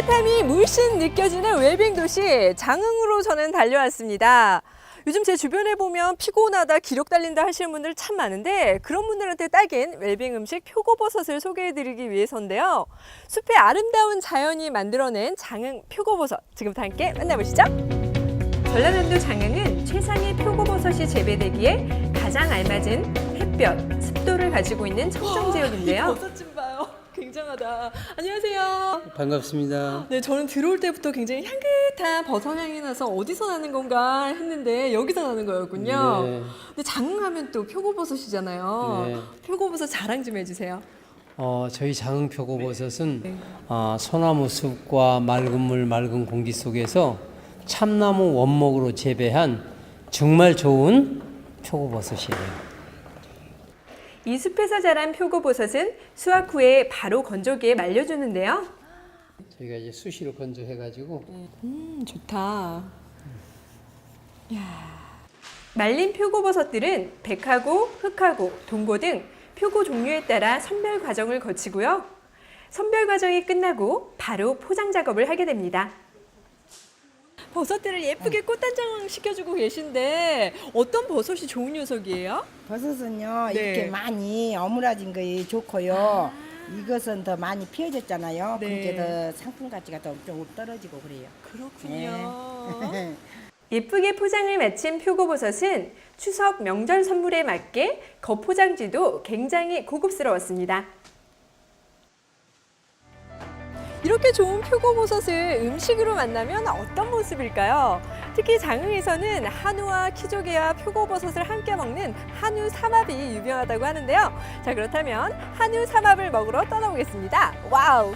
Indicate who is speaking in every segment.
Speaker 1: 따뜻함이 물씬 느껴지는 웰빙 도시 장흥으로 저는 달려왔습니다. 요즘 제 주변에 보면 피곤하다, 기력 달린다 하시는 분들 참 많은데 그런 분들한테 딱인 웰빙 음식 표고버섯을 소개해드리기 위해서인데요. 숲의 아름다운 자연이 만들어낸 장흥 표고버섯, 지금부터 함께 만나보시죠. 전라남도 장흥은 최상의 표고버섯이 재배되기에 가장 알맞은 햇볕, 습도를 가지고 있는 청정지역인데요. 버섯 좀 봐요. 굉장하다. 안녕하세요.
Speaker 2: 반갑습니다.
Speaker 1: 네, 저는 들어올 때부터 굉장히 향긋한 버섯 향이 나서 어디서 나는 건가 했는데 여기서 나는 거였군요.
Speaker 2: 네.
Speaker 1: 근데 장흥하면 또 표고버섯이잖아요.
Speaker 2: 네.
Speaker 1: 표고버섯 자랑 좀 해주세요.
Speaker 2: 저희 장흥 표고버섯은
Speaker 1: 네.
Speaker 2: 소나무 숲과 맑은 물, 맑은 공기 속에서 참나무 원목으로 재배한 정말 좋은 표고버섯이에요.
Speaker 1: 이 숲에서 자란 표고버섯은 수확 후에 바로 건조기에 말려주는데요.
Speaker 2: 저희가 이제 수시로 건조해가지고
Speaker 1: 좋다. 이야. 말린 표고버섯들은 백하고, 흑하고, 동고 등 표고 종류에 따라 선별 과정을 거치고요. 선별 과정이 끝나고 바로 포장 작업을 하게 됩니다. 버섯들을 예쁘게 꽃단장 시켜주고 계신데 어떤 버섯이 좋은 녀석이에요?
Speaker 3: 버섯은요
Speaker 1: 네.
Speaker 3: 이렇게 많이 어물어진 게 좋고요. 이것은 더 많이 피어졌잖아요.
Speaker 1: 네.
Speaker 3: 그게 더 상품 가치가 더 좀 떨어지고 그래요.
Speaker 1: 그렇군요.
Speaker 3: 네.
Speaker 1: 예쁘게 포장을 마친 표고버섯은 추석 명절 선물에 맞게 겉포장지도 굉장히 고급스러웠습니다. 이렇게 좋은 표고버섯을 음식으로 만나면 어떤 모습일까요? 특히 장흥에서는 한우와 키조개와 표고버섯을 함께 먹는 한우 삼합이 유명하다고 하는데요. 자, 그렇다면 한우 삼합을 먹으러 떠나보겠습니다. 와우!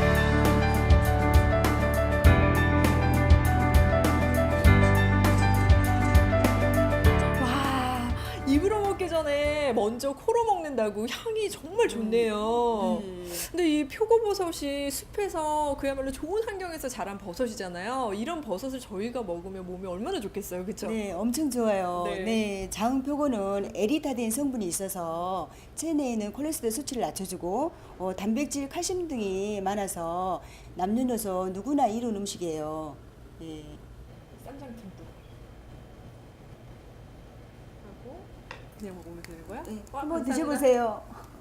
Speaker 1: 입으로 먹기 전에 먼저 코로 먹는다고 향이 정말 좋네요. 근데 이 표고버섯이 숲에서 그야말로 좋은 환경에서 자란 버섯이잖아요. 이런 버섯을 저희가 먹으면 몸에 얼마나 좋겠어요, 그렇죠?
Speaker 4: 네, 엄청 좋아요.
Speaker 1: 네.
Speaker 4: 네, 장표고는 에리타딘 성분이 있어서 체내에 있는 콜레스테롤 수치를 낮춰주고 단백질, 칼슘 등이 많아서 남녀노소 누구나 이로운 음식이에요. 네.
Speaker 1: 쌈장김도 하고 그냥 먹으면 되는 거야?
Speaker 4: 네,
Speaker 1: 와,
Speaker 4: 한번
Speaker 1: 감사합니다.
Speaker 4: 드셔보세요.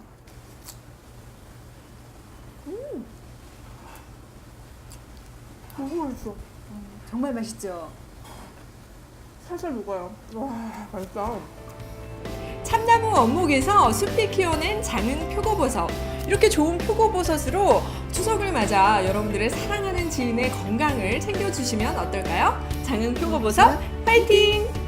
Speaker 5: 너무 맛있어.
Speaker 4: 정말 맛있죠?
Speaker 5: 살살 녹아요. 와, 맛있다.
Speaker 1: 참나무 원목에서 숲이 키워낸 장흥 표고버섯. 이렇게 좋은 표고버섯으로 추석을 맞아 여러분들의 사랑하는 지인의 건강을 챙겨주시면 어떨까요? 장흥 표고버섯 파이팅!